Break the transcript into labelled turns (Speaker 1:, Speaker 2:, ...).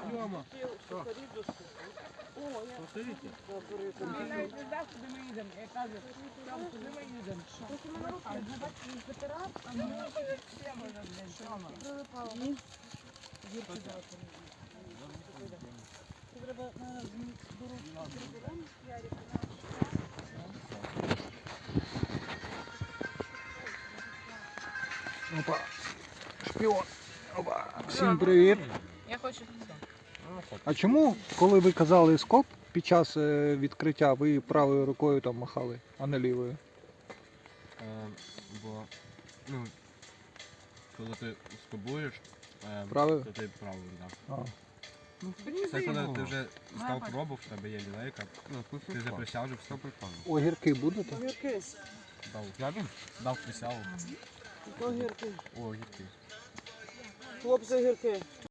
Speaker 1: Йома.
Speaker 2: Посидите?
Speaker 1: Він навіть не знав, куди ми їдемо. Я кажу, там куди ми їдемо.
Speaker 3: Опа. Шпіон. Опа. Всім привіт.
Speaker 1: Я хочу.
Speaker 3: А чому, коли ви казали скоп під час відкриття, ви правою рукою там махали, а не лівою?
Speaker 2: Бо, ну, коли ти скобуєш,
Speaker 3: Правою?
Speaker 2: то ти правою, так.
Speaker 3: А.
Speaker 2: Це коли ти вже став пробував, в тебе є лілейка, ти вже присяжив, все прикольно.
Speaker 3: Огірки будете?
Speaker 4: Огірки.
Speaker 2: Дав присягу.
Speaker 4: Огірки.
Speaker 2: О, гірки.
Speaker 4: Хлопці огірки.